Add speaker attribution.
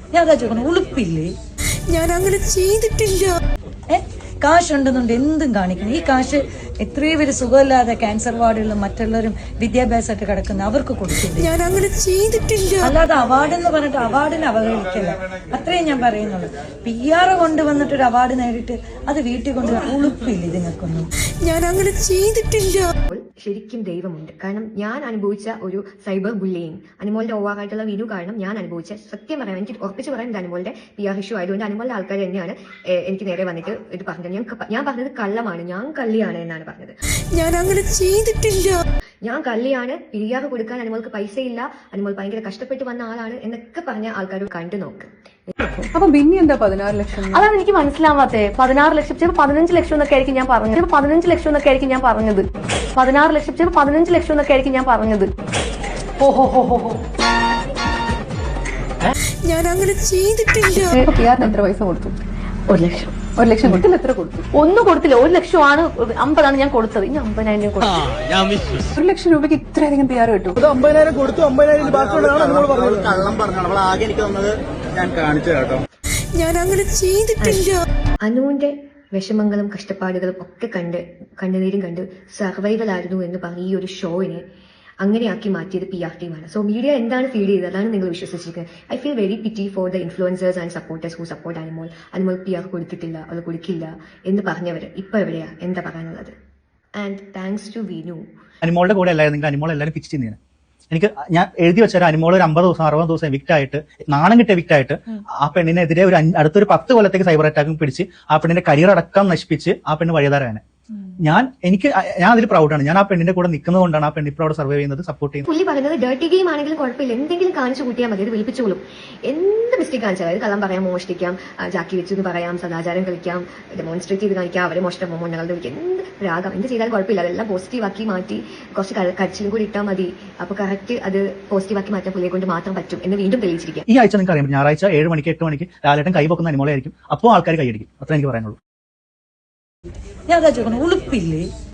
Speaker 1: ഞാൻ അതാ ചോദിക്കണം, ഉളുപ്പില്ലേ?
Speaker 2: ഞാൻ അങ്ങനെ ചെയ്തിട്ടില്ല.
Speaker 1: കാശുണ്ടെന്നുണ്ട് എന്തും കാണിക്കണം. ഈ കാശ് എത്രയോ പേര് സുഖമില്ലാതെ ക്യാൻസർ വാർഡുകളിലും മറ്റുള്ളവരും വിദ്യാഭ്യാസമായിട്ട് കിടക്കുന്ന അവർക്ക് കൊടുക്കില്ല.
Speaker 2: ഞാൻ അങ്ങനെ ചെയ്തിട്ടില്ല.
Speaker 1: അല്ലാതെ അവാർഡ് എന്ന് പറഞ്ഞിട്ട് അവാർഡിന് അവഹേളിക്കല്ല, അത്രയും ഞാൻ പറയുന്നുള്ളൂ. PR കൊണ്ടുവന്നിട്ടൊരു അവാർഡ് നേടിയിട്ട് അത് വീട്ടിൽ കൊണ്ട് ഉളുപ്പില്ല ഇതിങ്ങൾക്കൊന്നും.
Speaker 2: ഞാൻ അങ്ങനെ ചെയ്തിട്ടില്ല.
Speaker 3: ശരിക്കും ദൈവമുണ്ട്. കാരണം ഞാൻ അനുഭവിച്ച ഒരു സൈബർ ബുള്ളിങ് അനുമോളുടെ ഓവറായിട്ടുള്ള വീഡിയോ കാരണം ഞാൻ അനുഭവിച്ച, സത്യം പറയാം, എനിക്ക് ഉറപ്പിച്ച് പറയാൻ അനുമോളുടെ PR ഇഷ്യൂ ആയതുകൊണ്ട് അനുമോളുടെ ആൾക്കാർ തന്നെയാണ് എനിക്ക് നേരെ വന്നിട്ട് ഇത് പറഞ്ഞത്. ഞാൻ പറഞ്ഞത് കള്ളമാണ്, ഞാൻ കള്ളിയാണ് എന്നാണ് പറഞ്ഞത്.
Speaker 2: ഞാൻ അങ്ങനെ ചെയ്തിട്ടില്ല.
Speaker 3: ഞാൻ കള്ളിയാണ്, PR കൊടുക്കാൻ അനുമോൾക്ക് പൈസയില്ല, അനുമോൾ ഭയങ്കര കഷ്ടപ്പെട്ട് വന്ന ആളാണ് എന്നൊക്കെ പറഞ്ഞ ആൾക്കാർ കണ്ടു നോക്ക്.
Speaker 4: അപ്പൊ പിന്നെ എന്താ 16 ലക്ഷം?
Speaker 5: അതാണ് എനിക്ക് മനസ്സിലാവാത്തേ. 16 ലക്ഷം, ചിലപ്പോൾ 15 ലക്ഷം എന്നൊക്കെ ആയിരിക്കും ഞാൻ പറഞ്ഞത്. ചിലപ്പോൾ 15 ലക്ഷം എന്നൊക്കെ ആയിരിക്കും ഞാൻ പറഞ്ഞത്. 16 ലക്ഷം, ചിലപ്പോൾ 15 ലക്ഷം എന്നൊക്കെ ആയിരിക്കും ഞാൻ പറഞ്ഞത്.
Speaker 2: ഞാൻ അങ്ങനെ ചെയ്തിട്ടില്ല.
Speaker 4: PR എത്ര പൈസ കൊടുത്തു?
Speaker 5: 1 ലക്ഷം.
Speaker 4: 1 ലക്ഷം കൊടുത്തില്ല. എത്ര കൊടുത്തു?
Speaker 5: ഒന്നും കൊടുത്തില്ല. 1 ലക്ഷമാണ്, 50 ഞാൻ കൊടുത്തത്. ഇനി 50,000 കൊടുത്തു.
Speaker 4: 1 ലക്ഷം രൂപയ്ക്ക് ഇത്രയധികം PR കിട്ടും?
Speaker 6: 50,000 കൊടുത്തു. 50,000 ബാക്കിയുള്ളതാണ് നമ്മൾ പറഞ്ഞത്. കള്ളം പറഞ്ഞാണ് നമ്മൾ ആകെ എനിക്ക് തന്നത്. ഞാൻ കാണിച്ചു കേട്ടോ.
Speaker 2: ഞാൻ അങ്ങനെ ചെയ്തിട്ടില്ല.
Speaker 3: അനുവിന്റെ വിഷമങ്ങളും കഷ്ടപ്പാടുകളും ഒക്കെ കണ്ണുനീരും കണ്ട് സർവൈവൽ ആയിരുന്നു എന്ന് പറഞ്ഞ ഈ ഒരു ഷോയിനെ അങ്ങനെയാക്കി മാറ്റിയത് PR ടീമാണ്. സോ മീഡിയ എന്താണ് ഫീൽ ചെയ്തത് അതാണ് നിങ്ങൾ വിശ്വസിച്ചിരിക്കുന്നത്. I feel very pity for the influencers and supporters who support Anumol. Anumol PR കൊടുത്തിട്ടില്ല, അവൾ കൊടുക്കില്ല എന്ന് പറഞ്ഞവര് ഇപ്പൊ എവിടെയാ, എന്താ പറയാനുള്ളത്? And thanks to Vinu.
Speaker 7: അനുമോളുടെ കൂടെ അല്ലായിരുന്നെങ്കിൽ അനുമോൾ എല്ലാവരും പിച്ച് ചെയ്യുന്നതിന് എനിക്ക് ഞാൻ എഴുതി വെച്ചാൽ അനുമോൾ ഒരു 50 ദിവസം 60 ദിവസം എവിക്റ്റ് ആയിട്ട്, നാണം കിട്ടിയ എവിക്റ്റ് ആയിട്ട്, ആ പെണ്ണിനെതിരെ അടുത്തൊരു 10 കൊല്ലത്തേക്ക് സൈബർ അറ്റാക്കും പിടിച്ച് ആ പെണ്ണിന്റെ കരിയർ അടക്കം നശിപ്പിച്ച് ആ പെണ്ണ് വഴിതാരാണ്. ഞാൻ അതിൽ പ്രൗഡാണ്. ഞാൻ ആ പെണ്ണിന്റെ കൂടെ നിൽക്കുന്നത് കൊണ്ടാണ് ആ പെണ്ണ് ഇപ്പോൾ അവിടെ സർവൈവ് ചെയ്യുന്നത്, സപ്പോർട്ട് ചെയ്യുന്നത്.
Speaker 3: പുള്ളി പറയുന്നത് ഡേർട്ടി ഗെയിം ആണെങ്കിലും കുഴപ്പമില്ല, എന്തെങ്കിലും കാണിച്ചു കൂട്ടിയാൽ മതി, അത് വിളിപ്പിച്ചോളും. എന്ത് മിസ്റ്റേക്ക് കാണിച്ചാൽ, അതായത് കള്ളം പറയാം, മോഷ്ടിക്കാം, ജാക്കി വെച്ചു എന്ന് പറയാം, സദാചാരം കളിക്കാം, ഡെമോൺസ്ട്രേറ്റ് ചെയ്ത് കാണിക്കാം, അവരെ മോഷ്ടം മൊണ്ണകളുടെ വിളിക്കാം, എന്ത് രാഗം എന്ത് ചെയ്താലും കുഴപ്പമില്ല. അതെല്ലാം പോസിറ്റീവ് ആക്കി മാറ്റി കുറച്ച് കരച്ചിലും കൂടി ഇട്ടാൽ മതി. അപ്പൊ കറക്റ്റ് അത് പോസിറ്റീവ് ആക്കി മാറ്റാൻ പുള്ളിയെ കൊണ്ട് മാത്രം പറ്റും എന്ന് വീണ്ടും തെളിയിച്ചിരിക്കാം.
Speaker 7: ഈ ആഴ്ച നിങ്ങൾക്ക് അറിയാം, ഞായറാഴ്ച 7 മണിക്ക് 8 മണിക്ക് ലാലേട്ടൻ കൈ പൊക്കുന്ന അനുമോളായിരിക്കും. അപ്പോൾ ആൾക്കാർ കൈയടിക്കും. അത്ര എനിക്ക് പറയാനുള്ളൂ.
Speaker 1: ഞാൻ അതാ ചോദിക്കണം, ഉളുപ്പില്ലേ?